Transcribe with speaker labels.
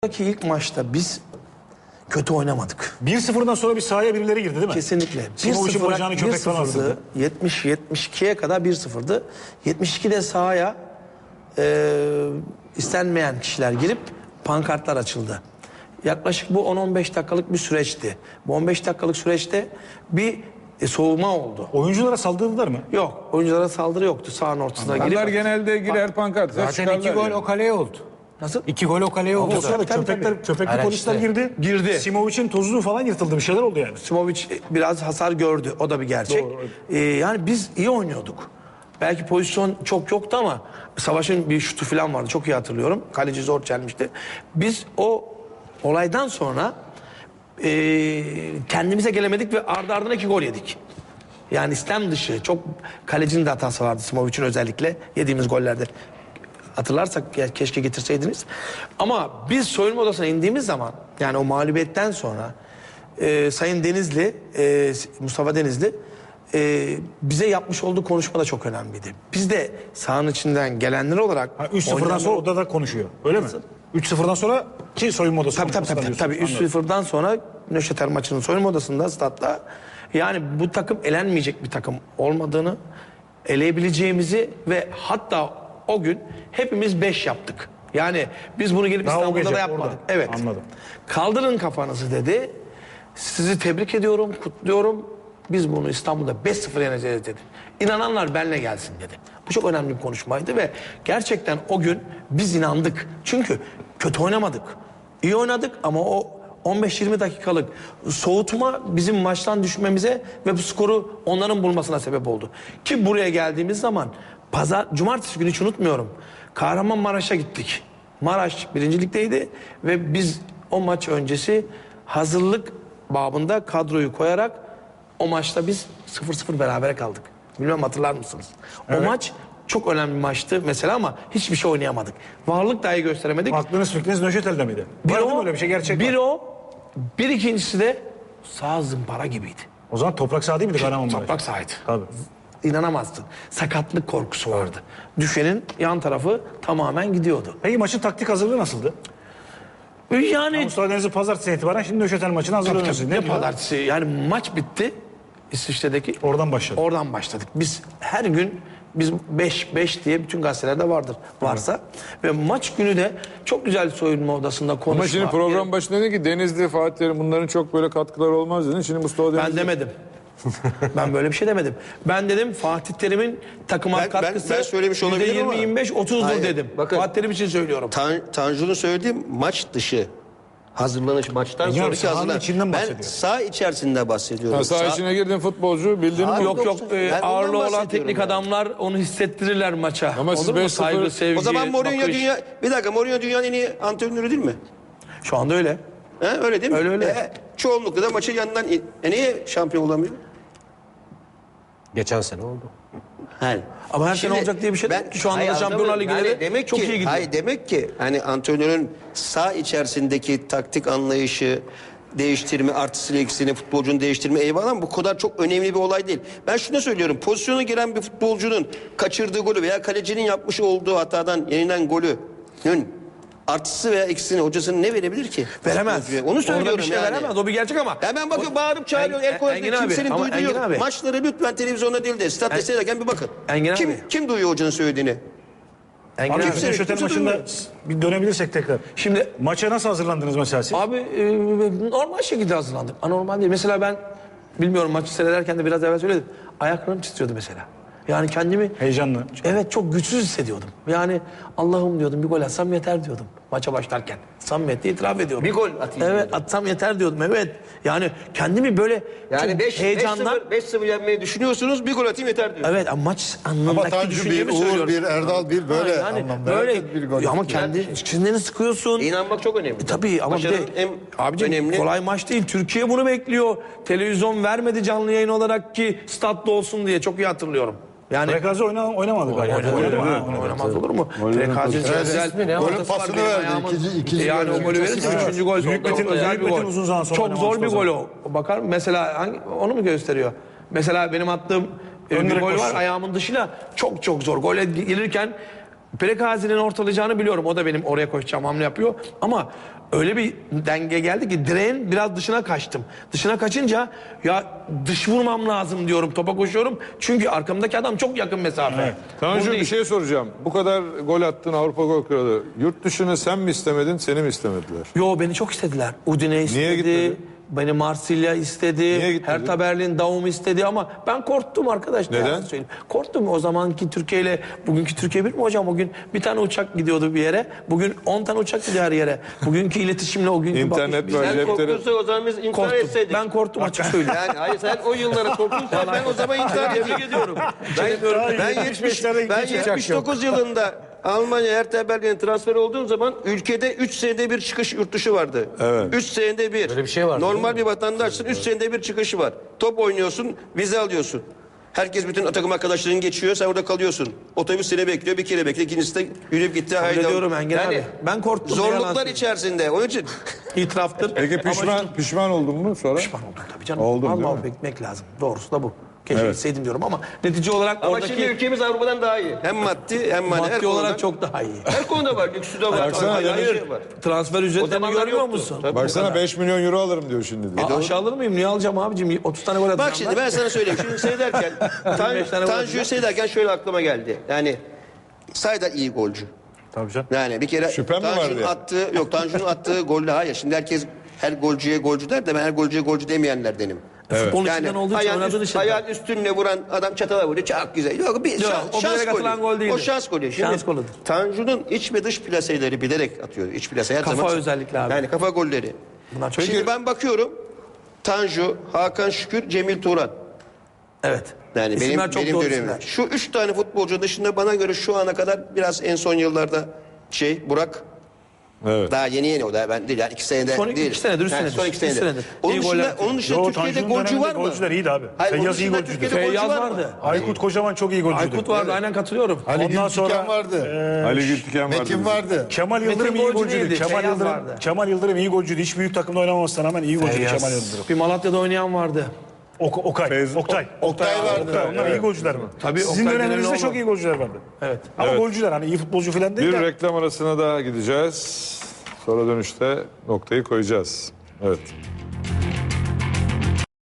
Speaker 1: İlk maçta biz kötü oynamadık.
Speaker 2: 1-0'dan sonra bir sahaya birileri girdi değil mi?
Speaker 1: Kesinlikle.
Speaker 2: Simović'in bacağını köpek falan
Speaker 1: 1-0'dı. 70-72'ye kadar 1-0'dı. 72'de sahaya istenmeyen kişiler girip pankartlar açıldı. Yaklaşık bu 10-15 dakikalık bir süreçti. Bu 15 dakikalık süreçte bir soğuma oldu.
Speaker 2: Oyunculara saldırdılar mı?
Speaker 1: Yok. Oyunculara saldırı yoktu. Sahanın ortasına girip.
Speaker 3: Onlar genelde girer pankart.
Speaker 4: Zaten 2 gol o kaleye oldu.
Speaker 1: Nasıl?
Speaker 4: 2 gol o kaleye oldu.
Speaker 2: O sırada köpekli polisler girdi.
Speaker 1: Girdi.
Speaker 2: Simović'in tozu falan yırtıldı. Bir şeyler oldu yani.
Speaker 1: Simović biraz hasar gördü. O da bir gerçek. Yani biz iyi oynuyorduk. Belki pozisyon çok yoktu ama Savaş'ın bir şutu falan vardı. Çok iyi hatırlıyorum. Kaleci zor çelmişti. Biz o olaydan sonra kendimize gelemedik ve ardı ardına 2 gol yedik. Yani istem dışı. Çok kalecinin de hatası vardı Simović'in özellikle. Yediğimiz gollerde. Hatırlarsak keşke getirseydiniz. Ama biz soyunma odasına indiğimiz zaman, yani o mağlubiyetten sonra Sayın Denizli, Mustafa Denizli bize yapmış olduğu konuşma da çok önemliydi. Biz de sahanın içinden gelenler olarak...
Speaker 2: 3-0'dan sonra odada konuşuyor. Öyle mi? 3-0'dan sonra ki soyunma odası.
Speaker 1: Tabii 3-0'dan sonra Nöşeter maçının soyunma odasında, statta, yani bu takım elenmeyecek bir takım olmadığını, eleyebileceğimizi ve hatta o gün hepimiz 5 yaptık. Yani biz bunu gelip
Speaker 2: Daha
Speaker 1: İstanbul'da da yapmadık.
Speaker 2: orada.
Speaker 1: Evet.
Speaker 2: Anladım.
Speaker 1: Kaldırın kafanızı dedi. Sizi tebrik ediyorum, kutluyorum. Biz bunu İstanbul'da 5-0 yeneceğiz dedi. İnananlar benimle gelsin dedi. Bu çok önemli bir konuşmaydı ve gerçekten o gün biz inandık. Çünkü kötü oynamadık. İyi oynadık ama o 15-20 dakikalık soğutma bizim maçtan düşmemize ve bu skoru onların bulmasına sebep oldu. Ki buraya geldiğimiz zaman cumartesi günü hiç unutmuyorum. Kahramanmaraş'a gittik. Maraş birincilikteydi ve biz o maç öncesi hazırlık babında kadroyu koyarak o maçta biz 0-0 berabere kaldık. Bilmem hatırlar mısınız? Evet. O maç çok önemli bir maçtı mesela ama hiçbir şey oynayamadık. Varlık dahi gösteremedik.
Speaker 2: Aklınız fikriniz Nöşetel'de miydi? Var mı öyle bir şey, gerçek
Speaker 1: bir
Speaker 2: var?
Speaker 1: o, bir ikincisi de sağ zımpara gibiydi.
Speaker 2: O zaman toprak saha değil miydi Kahramanmaraş?
Speaker 1: Toprak sahaydı.
Speaker 2: Tabii.
Speaker 1: İnanamazsın. Sakatlık korkusu vardı. Düşenin yan tarafı tamamen gidiyordu.
Speaker 2: Peki maçın taktik hazırlığı nasıldı?
Speaker 1: Yani
Speaker 2: Mustafa Denizli pazartesi itibaren şimdi Nöşetel maçına hazırlanıyorsunuz.
Speaker 1: ne pazartesi, yani maç bitti İsviçre'deki.
Speaker 2: Oradan başladı.
Speaker 1: Oradan başladık. Biz her gün biz 5 diye bütün gazetelerde vardır. Varsa. Ve maç günü de çok güzel soyunma odasında konuşma.
Speaker 3: Ama şimdi program başında dedi ki Denizli, Fatih Terim bunların çok böyle katkıları olmaz dedin. Şimdi Mustafa Denizli...
Speaker 1: Ben demedim. Ben böyle bir şey demedim. Ben dedim Fatih Terim'in takıma katkısı
Speaker 5: ben söylemiş olabilirim ama.
Speaker 1: %20-25-30'dur dedim.
Speaker 5: Bakın,
Speaker 1: Fatih Terim için söylüyorum.
Speaker 5: Tanju'nun söylediğim maç dışı hazırlanış, maçtan
Speaker 2: Yani
Speaker 5: sonraki
Speaker 2: sahanın
Speaker 5: hazırlanış.
Speaker 2: içinden
Speaker 5: Ben bahsediyorum. Saha içerisinde bahsediyorum.
Speaker 3: Ha, saha içine girdin futbolcu bildin mi?
Speaker 5: Abi,
Speaker 1: Yok
Speaker 5: Ben ondan
Speaker 1: ağırlığı olan
Speaker 5: bahsediyorum
Speaker 1: teknik
Speaker 5: yani.
Speaker 1: adamlar onu hissettirirler maça.
Speaker 3: Ama siz
Speaker 1: Olur mu?
Speaker 3: 5-0
Speaker 1: Saygı, sevgi,
Speaker 5: O zaman Mourinho
Speaker 1: bakış.
Speaker 5: Mourinho dünyanın en iyi antrenörü değil mi?
Speaker 1: Şu anda öyle.
Speaker 5: Öyle değil mi?
Speaker 1: Öyle.
Speaker 5: Çoğunlukla da maçı yanından niye şampiyon olamıyor?
Speaker 4: Geçen sene oldu.
Speaker 1: Ama her sene olacak diye bir şey yok ki. Şu anda da Şampiyonlar Ligi'nde çok iyi gidiyor.
Speaker 5: Hayır, demek ki hani antrenörün saha içerisindeki taktik anlayışı, değiştirme, artısını eksini, futbolcunun değiştirme eyvallah ama bu kadar çok önemli bir olay değil. Ben şunu söylüyorum, pozisyona giren bir futbolcunun kaçırdığı golü veya kalecinin yapmış olduğu hatadan yenilen golünün artısı veya eksisini hocasının ne verebilir ki?
Speaker 1: Veremez.
Speaker 5: Onu söylüyorum.
Speaker 1: Orada bir şey
Speaker 5: yani.
Speaker 1: veremez. O bir gerçek ama.
Speaker 5: Hemen bakın bağırıp çağırıyor. El koyuyor.
Speaker 1: Engin abi,
Speaker 5: Kimsenin
Speaker 1: ama
Speaker 5: duyduğu
Speaker 1: Engin
Speaker 5: yok.
Speaker 1: abi.
Speaker 5: Maçları lütfen televizyonda değil de statta seyrederken bir bakın.
Speaker 1: Engin abi.
Speaker 5: Kim duyuyor hocanın söylediğini?
Speaker 1: Engin
Speaker 2: Abi
Speaker 1: abi.
Speaker 2: Nöşetel
Speaker 5: kimse
Speaker 2: maçında
Speaker 5: duymuyor.
Speaker 2: bir dönebilirsek tekrar.
Speaker 1: Şimdi
Speaker 2: Maça nasıl hazırlandınız mesela siz?
Speaker 1: abi normal şekilde hazırlandık. Anormal değil. Mesela ben bilmiyorum maçı seyrederken de biraz evvel söyledim. Ayaklarım titriyordu mesela. Yani kendimi
Speaker 2: Heyecanlı.
Speaker 1: evet çok güçsüz hissediyordum. Yani Allah'ım diyordum bir gol atsam yeter diyordum maça başlarken. Samimiyetle itiraf ediyorum.
Speaker 5: Bir gol atayım
Speaker 1: Evet
Speaker 5: diyordum.
Speaker 1: atsam yeter diyordum evet. Yani kendimi böyle
Speaker 5: Yani
Speaker 1: çok heyecandan.
Speaker 5: 5-0 yenmeyi düşünüyorsunuz, bir gol atayım yeter diyor.
Speaker 1: Evet ama maç
Speaker 6: Ama
Speaker 1: anlamındaki
Speaker 6: Tanju bir,
Speaker 1: düşüncemi
Speaker 6: Uğur
Speaker 1: söylüyorum.
Speaker 6: bir, Erdal bir böyle
Speaker 1: Yani
Speaker 6: anlamda.
Speaker 1: böyle
Speaker 6: Herkes bir gol.
Speaker 1: ama kendi çizgilerini sıkıyorsun.
Speaker 5: İnanmak çok önemli.
Speaker 1: Tabii ama bir de
Speaker 5: Başarının en
Speaker 1: abicim
Speaker 5: önemli.
Speaker 1: kolay maç değil. Türkiye bunu bekliyor. Televizyon vermedi canlı yayın olarak ki statta olsun diye çok iyi hatırlıyorum. Yani
Speaker 2: Frekazi oynamadı galiba.
Speaker 1: oynamaz olur mu? Frekazi güzel.
Speaker 6: Golün
Speaker 1: ortası var
Speaker 6: pasını
Speaker 1: benim
Speaker 6: verdi.
Speaker 1: ayağımın.
Speaker 6: İkinci
Speaker 1: Yani
Speaker 6: golün
Speaker 1: o golü
Speaker 6: öncesi
Speaker 1: verirse
Speaker 6: var.
Speaker 1: üçüncü gol.
Speaker 2: Büyük
Speaker 1: Çok
Speaker 2: Metin-
Speaker 1: özel
Speaker 2: Büyük
Speaker 1: bir
Speaker 2: Metin
Speaker 1: gol.
Speaker 2: uzun zaman sonra
Speaker 1: Çok zor bir
Speaker 2: oynamamıştı
Speaker 1: gol
Speaker 2: o
Speaker 1: o. Bakar mesela onu mu gösteriyor? Mesela benim attığım bir
Speaker 2: Ön
Speaker 1: gol
Speaker 2: direkt
Speaker 1: var
Speaker 2: koşu.
Speaker 1: ayağımın dışıyla çok zor. Gole gelirken Prekazi'nin ortalayacağını biliyorum. O da benim oraya koşacağım hamle yapıyor. Ama öyle bir denge geldi ki direğin biraz dışına kaçtım. Dışına kaçınca ya dış vurmam lazım diyorum. Topa koşuyorum. Çünkü arkamdaki adam çok yakın mesafe.
Speaker 3: Tanju
Speaker 1: Bu
Speaker 3: bir
Speaker 1: değil.
Speaker 3: şey soracağım. Bu kadar gol attın, Avrupa Gol Kralı. Yurt dışını sen mi istemedin, seni mi istemediler?
Speaker 1: Yo, beni çok istediler. Udine istedi.
Speaker 3: gitmedin?
Speaker 1: Beni Marsilya istedi.
Speaker 3: Niye gitmedin?
Speaker 1: Hertha Berlin, Daum istedi ama ben korktum arkadaşlar.
Speaker 3: Neden?
Speaker 1: yalan söyleyeyim. Korktum. O zamanki Türkiye ile bugünkü Türkiye bir mi hocam? O gün bir tane uçak gidiyordu bir yere. Bugün 10 tane uçak gidiyor her yere. Bugünkü iletişimle o günkü
Speaker 3: İnternet
Speaker 1: bakış-
Speaker 3: var,
Speaker 5: Sen
Speaker 3: cepleri-
Speaker 5: korkuyorsa o zaman biz intihar
Speaker 1: Korktum.
Speaker 5: etseydik.
Speaker 1: Ben korktum açık söyleyeyim.
Speaker 5: Yani hayır sen o yıllara korktuysan ben o zaman intihar ediyorum. Ben 79 yılında Almanya Hertha Berlin'e transfer olduğum zaman ülkede 3 senede bir çıkış yurt dışı vardı.
Speaker 3: Evet.
Speaker 5: 3 senede bir.
Speaker 4: Böyle bir şey vardı,
Speaker 5: Normal bir vatandaşsın 3 senede bir çıkışı var. Top oynuyorsun, vize alıyorsun. Herkes bütün takım arkadaşların geçiyor, sen orada kalıyorsun. Otobüs seni bekliyor, bir kere bekliyor, ikincisi de yürüyüp gitti.
Speaker 1: Kabul
Speaker 5: haydi.
Speaker 1: ediyorum Engin
Speaker 5: Yani
Speaker 1: abi. Ben korktum. yalan
Speaker 5: zorluklar
Speaker 1: söyleyeyim.
Speaker 5: içerisinde. Onun için
Speaker 1: İtiraftır.
Speaker 3: Peki
Speaker 1: Ama
Speaker 3: pişman oldun mu sonra?
Speaker 1: Pişman oldum tabii canım.
Speaker 3: Oldun, değil
Speaker 1: Vallahi
Speaker 3: mi?
Speaker 1: beklemek lazım. Doğrusu da bu. Keşke gitseydim diyorum ama netice olarak
Speaker 5: ama
Speaker 1: oradaki
Speaker 5: şimdi ülkemiz Avrupa'dan daha iyi. Hem maddi hem manevi.
Speaker 1: maddi olarak çok daha iyi.
Speaker 5: Her konuda var. Lüksü de var.
Speaker 3: Baksana,
Speaker 5: Hayır,
Speaker 3: hayır.
Speaker 5: hayır. Var.
Speaker 1: Transfer
Speaker 5: O
Speaker 1: ücretlerini
Speaker 5: zamanlar
Speaker 1: görmüyor
Speaker 5: yoktu.
Speaker 1: musun?
Speaker 5: Tabii.
Speaker 3: Baksana 5 milyon euro alırım diyor şimdi diyor.
Speaker 1: Aşağı alır mıyım? Niye alacağım abicim? 30 tane gol atacağım.
Speaker 5: Bak şimdi ben sana söyleyeyim. Şimdi seyrederken
Speaker 1: 25 tane gol
Speaker 5: Tanju'yu
Speaker 1: atacak.
Speaker 5: seyrederken şöyle aklıma geldi. Yani sayda iyi golcü.
Speaker 2: Tabii canım.
Speaker 5: Yani bir kere
Speaker 3: Şüphem mi var
Speaker 5: Tanju'nun
Speaker 3: diye?
Speaker 5: Tanju'nun attığı golle hayır. Şimdi herkes her golcüye golcü der de ben her golcüye golcü demeyenlerdenim.
Speaker 1: Futbolun
Speaker 5: Yani
Speaker 1: içinden olduğu için oynadığın için.
Speaker 5: ayağın üstünle vuran adam çatala vuruyor. Çok güzel. Yok bir
Speaker 1: o
Speaker 5: şans
Speaker 1: bilerek atılan gol
Speaker 5: golü.
Speaker 1: değildir.
Speaker 5: O şans golü. Şimdi
Speaker 1: Şans golüdür.
Speaker 5: Tanju'nun iç ve dış plaseleri bilerek atıyor. İç plase her
Speaker 1: Kafa
Speaker 5: zaman.
Speaker 1: özellikle abi.
Speaker 5: Yani kafa golleri.
Speaker 1: Bunlar çok
Speaker 5: Şimdi ben bakıyorum. Tanju, Hakan Şükür, Cemil Turan.
Speaker 1: Evet.
Speaker 5: Yani
Speaker 1: İsimler çok
Speaker 5: benim
Speaker 1: doğru
Speaker 5: dönemim.
Speaker 1: isimler.
Speaker 5: Şu 3 tane futbolcu dışında bana göre şu ana kadar biraz en son yıllarda Burak
Speaker 3: Evet.
Speaker 5: daha yeni o da ben değil yani 2 senede
Speaker 1: Son
Speaker 5: değil.
Speaker 1: iki senedir, üç
Speaker 5: Yani
Speaker 1: senedir.
Speaker 5: Son 2
Speaker 1: İki
Speaker 5: senedir.
Speaker 1: senedir.
Speaker 5: Onun
Speaker 1: İyi
Speaker 5: dışında,
Speaker 1: goller atıyor.
Speaker 5: onun dışında
Speaker 2: Yo,
Speaker 5: Türkiye'de
Speaker 2: Tanju'nun
Speaker 5: golcü var
Speaker 2: döneminde
Speaker 5: mı?
Speaker 2: golcüler iyiydi abi.
Speaker 5: Hayır, onun
Speaker 2: Feyyaz iyi
Speaker 5: dışında
Speaker 2: golcüydü.
Speaker 5: Türkiye'de golcü
Speaker 1: Feyyaz
Speaker 5: var mı?
Speaker 1: vardı.
Speaker 2: Aykut Kocaman çok iyi golcüydü.
Speaker 1: Aykut vardı, aynen katılıyorum.
Speaker 6: Ali
Speaker 2: Ondan sonra
Speaker 6: Gültiken vardı.
Speaker 3: Ali Gültiken vardı.
Speaker 6: Metin
Speaker 3: bizim.
Speaker 6: vardı.
Speaker 2: Kemal Yıldırım
Speaker 1: Metin
Speaker 2: iyi
Speaker 1: golcü
Speaker 2: golcüydü.
Speaker 1: değildi,
Speaker 2: Kemal
Speaker 1: Feyyaz
Speaker 2: Yıldırım,
Speaker 1: vardı.
Speaker 2: Kemal Yıldırım iyi golcüydü. Hiç büyük takımda oynamamasına rağmen iyi golcüydü
Speaker 1: Feyyaz.
Speaker 2: Kemal Yıldırım.
Speaker 1: Bir Malatya'da oynayan vardı.
Speaker 2: Oktay.
Speaker 6: Oktay vardı.
Speaker 2: Oktay. Onlar iyi golcüler mi?
Speaker 1: Tabii,
Speaker 2: Sizin
Speaker 1: Oktay
Speaker 2: döneminizde
Speaker 1: Demirelioğlu.
Speaker 2: çok iyi golcüler vardı.
Speaker 1: Evet.
Speaker 2: Ama golcüler hani iyi futbolcu falan değil
Speaker 3: Bir
Speaker 2: de.
Speaker 3: reklam arasına daha gideceğiz. Sonra dönüşte noktayı koyacağız. Evet.